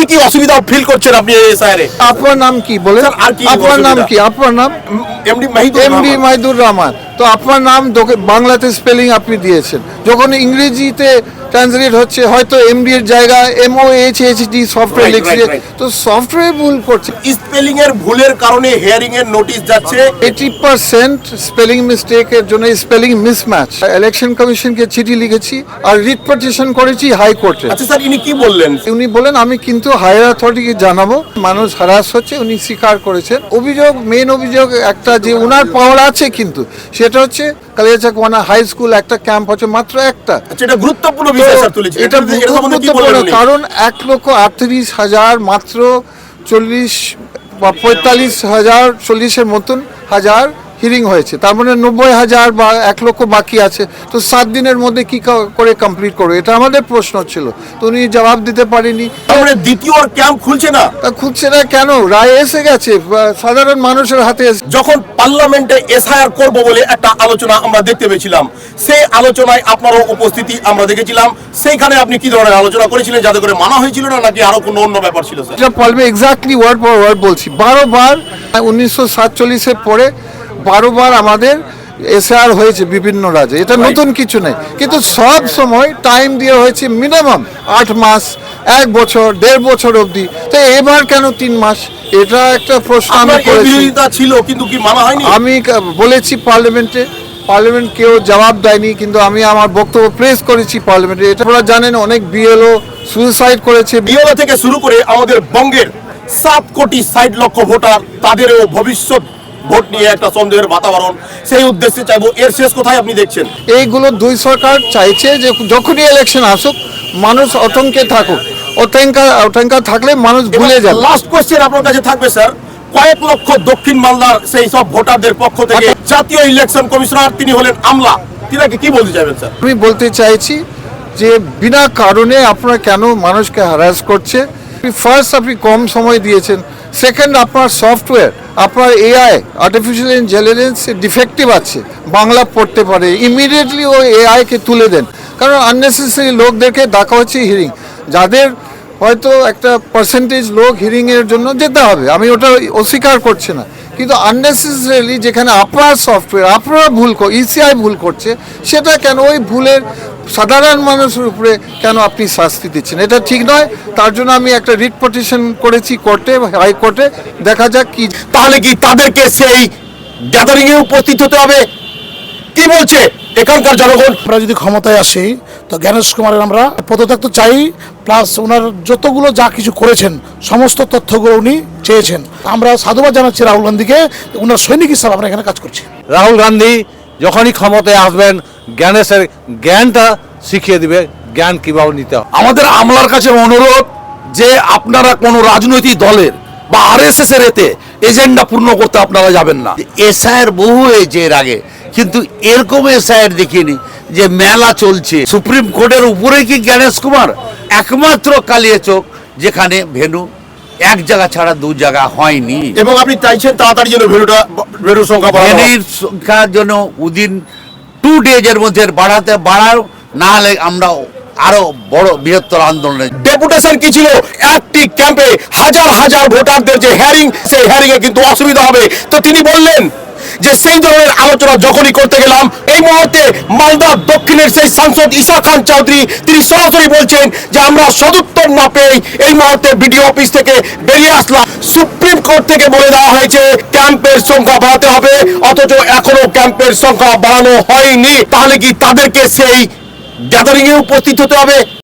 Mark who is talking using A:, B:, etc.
A: কি অসুবিধা ফিল করছেন আপনি এই এসআইআর এ?
B: আপনার নাম কি বলেন?
A: স্যার, আর কি
B: আপনার নাম
A: অসুবিধা?
B: কি? আপনার নাম
A: এমডি মাহিদুর
B: এমডি
A: রহমান।
B: মাহিদুর রহমান। তো আপনার নাম বাংলাতে স্পেলিং আপনি দিয়েছেন, যখন ইংরেজিতে ট্রান্সলেট হচ্ছে হয়তো এমডি এর জায়গায় MOHHD সফটওয়্যার
A: Right,
B: লিখছে,
A: right, right.
B: তো সফটওয়্যার ভুল করছে।
A: স্পেলিং এর ভুলের কারণে হিয়ারিং এর নোটিশ যাচ্ছে।
B: 80% স্পেলিং মিস্টেকের জন্য স্পেলিং মিসম্যাচ। ইলেকশন কমিশনকে চিঠি লিখেছি আর রিট পিটিশন করেছি হাইকোর্টে।
A: আচ্ছা স্যার, ইনি কি বললেন?
B: উনি বলেন আমি কিন্তু হায়ার অথরিটিকে জানাবো, মানুষ হ্যারাস হচ্ছে, উনি স্বীকার করেছেন। অভিযোগ, মেন অভিযোগ একটা যে উনার পাওয়ার আছে, কিন্তু সেটা হচ্ছে কালিয়াচাকওয়ানা হাই স্কুল একটা ক্যাম্প হচ্ছে মাত্র একটা।
A: আচ্ছা, এটা গুরুত্বপূর্ণ বিষয় স্যার তুলেছেন।
B: এটা
A: এটা সম্বন্ধে কি
B: গুরুত্বপূর্ণ,
A: বলবেন উনি?
B: কারণ 1,38,000 মাত্র 40 বা 45,000, 40-এর মতন হাজার হিয়ারিং হয়েছে, তার মানে 90,000 বা 1 লক্ষ বাকি আছে। তো 7 দিনের মধ্যে কি করে কমপ্লিট করবে, এটা আমাদের প্রশ্ন ছিল, তো উনি জবাব দিতে পারেনি।
A: তারপরে দ্বিতীয় ক্যাম্প খুলছে না।
B: তা খুঁজছে না কেন? রায় এসে গেছে, সাধারণ মানুষের হাতে
A: যখন পার্লামেন্টে এসআইআর করব বলে একটা আলোচনা আমরা দেখতে পেয়েছিলাম, সেই আলোচনায় আপনারও উপস্থিতি আমরা দেখেছিলাম। সেইখানে আপনি কি ধরনের আলোচনা করেছিলেন, যাতে করে মানা হয়েছিল না, নাকি আরো কোনো অন্য ব্যাপার ছিল স্যার?
B: এটা পারবে এক্স্যাক্টলি ওয়ার্ড ফর ওয়ার্ড বলছি। 12 বার 1947-এর পরে 12 বার আমাদের এসআর হয়েছে বিভিন্ন রাজ্যে, এটা নতুন কিছু নেই, কিন্তু সব সময় টাইম দিয়ে হয়েছে মিনিমাম 8 মাস, 1 বছর, 1.5 বছর অবধি। তো এবার কেন 3 মাস? এটা একটা প্রশ্ন আমি
A: আপনার এই
B: করেছি।
A: বিরোধিতা ছিল, কিন্তু কি মানা হয়নি?
B: আমি বলেছি পার্লামেন্টে, পার্লামেন্ট কেউ জবাব দেয়নি, কিন্তু আমি আমার বক্তব্য প্রেস করেছি পার্লামেন্টে। এটা আপনারা জানেন, অনেক বিএলও সুইসাইড করেছে।
A: বিওলা থেকে শুরু করে আমাদের বঙ্গের 7 কোটি 60 লক্ষ ভোটার, তাদেরও ভবিষ্যৎ ভোট নিয়ে একটা সন্দেহের বাতাবরণ। সেই উদ্দেশ্যে চাইবো, এর শেষ কোথায় আপনি দেখছেন?
B: এইগুলো দুই সরকার চাইছে যে যখনই ইলেকশন আসুক মানুষ আতঙ্কে থাকুক, আতঙ্কা থাকলে মানুষ ভুলে যাবে।
A: লাস্ট কোশ্চেন আপনার কাছে থাকবে স্যার, কয়েক লক্ষ দক্ষিণ মালদার সেই সব ভোটারদের পক্ষ থেকে জাতীয় ইলেকশন কমিশনার, তিনি হলেন আমলা, তিনাকে কি বলতে চাইবেন স্যার?
B: আমি বলতে চাইছি যে বিনা কারণে আপনারা কেন মানুষকে হ্যারাস করছে। ফার্স্ট আপনি কম সময় দিয়েছেন, সেকেন্ড আপনার সফটওয়্যার, আপনার এআই আর্টিফিশিয়াল ইন্টেলিজেন্স ডিফেক্টিভ আছে, বাংলা পড়তে পারে, ইমিডিয়েটলি ওই এআইকে তুলে দেন। কারণ আননেসেসারি লোকদেরকে ডাকা হচ্ছে হিয়ারিং, যাদের হয়তো একটা পার্সেন্টেজ লোক হিয়ারিংয়ের জন্য যেতে হবে, আমি ওটা অস্বীকার করছি না, কিন্তু আননেসেসারিলি যেখানে আপনার সফটওয়্যার আপনারা ইসিআই ভুল করছে, সেটা কেন ওই ভুলের সাধারণ মানুষের উপরে কেন আপনি শাস্তি দিচ্ছেন? এটা ঠিক নয়। তার জন্য আমি একটা রিট পিটিশন করেছি কোর্টে, হাইকোর্টে, দেখা যাক কি।
A: তাহলে কি তাদেরকে সেই গ্যাদারিং এ উপস্থিত হতে হবে? কি বলছে এখানকার জনগণ?
C: আমরা যদি ক্ষমতায় আসি তো জ্ঞানেশ কুমারের আমরা পদত্যাগ তো চাই, প্লাস ওনার যতগুলো যা কিছু করেছেন সমস্ত তথ্যগুলো উনি চেয়েছেন। আমরা সাধুবাদ জানাচ্ছি রাহুল গান্ধীকে, ওনার সৈনিক হিসাবে আমরা এখানে কাজ করছি।
D: রাহুল গান্ধী যখনই ক্ষমতায় আসবেন জ্ঞানেশের জ্ঞানটা শিখিয়ে দিবে, জ্ঞান কিভাবে নিতে হয়।
A: আমাদের আমলার কাছে অনুরোধ যে আপনারা কোন রাজনৈতিক দলের বা আরএসএস এর এতে এজেন্ডা পূর্ণ করতে আপনারা যাবেন না।
E: এসআইয়ের বহু হয়েছে এর আগে, কিন্তু এরকম এসআইয়ের দেখিনি যে মেলা চলছে। সুপ্রিম কোর্টের উপরে কি জ্ঞানেশ কুমার? একমাত্র কালিয়াচক যেখানে ভেন্যু এক জায়গা ছাড়া 2 জায়গা হয়নি,
A: এবং আপনি চাইছেন তাড়াতাড়ি যেন ভেন্যুর সংখ্যা বাড়ানো হয়।
E: ভেন্যুর সংখ্যার জন্য উইদিন 2 ডেজের মধ্যে বাড়াও, না হলে আমরা আরো বড় বৃহত্তর আন্দোলনে।
A: ডেপুটেশন কি ছিল? একটি ক্যাম্পে হাজার হাজার ভোটারদের যে হিয়ারিং, সেই হিয়ারিং এ কিন্তু অসুবিধা হবে। তো তিনি বললেন যে সেই ধরনের আলোচনা যখনই করতে গেলাম, এই মুহূর্তে মালদা দক্ষিণের সেই সাংসদ ঈশা খান চৌধুরী তিনি সরাসরি বলছেন যে আমরা সদুত্তর না পেয়ে এই মুহূর্তে বিডিও অফিস থেকে বেরিয়ে আসলাম। সুপ্রিম কোর্ট থেকে বলে দেওয়া হয়েছে ক্যাম্পের সংখ্যা বাড়াতে হবে, অথচ এখনো ক্যাম্পের সংখ্যা বাড়ানো হয়নি। তাহলে কি তাদেরকে সেই গ্যাদারিং এ উপস্থিত হতে হবে?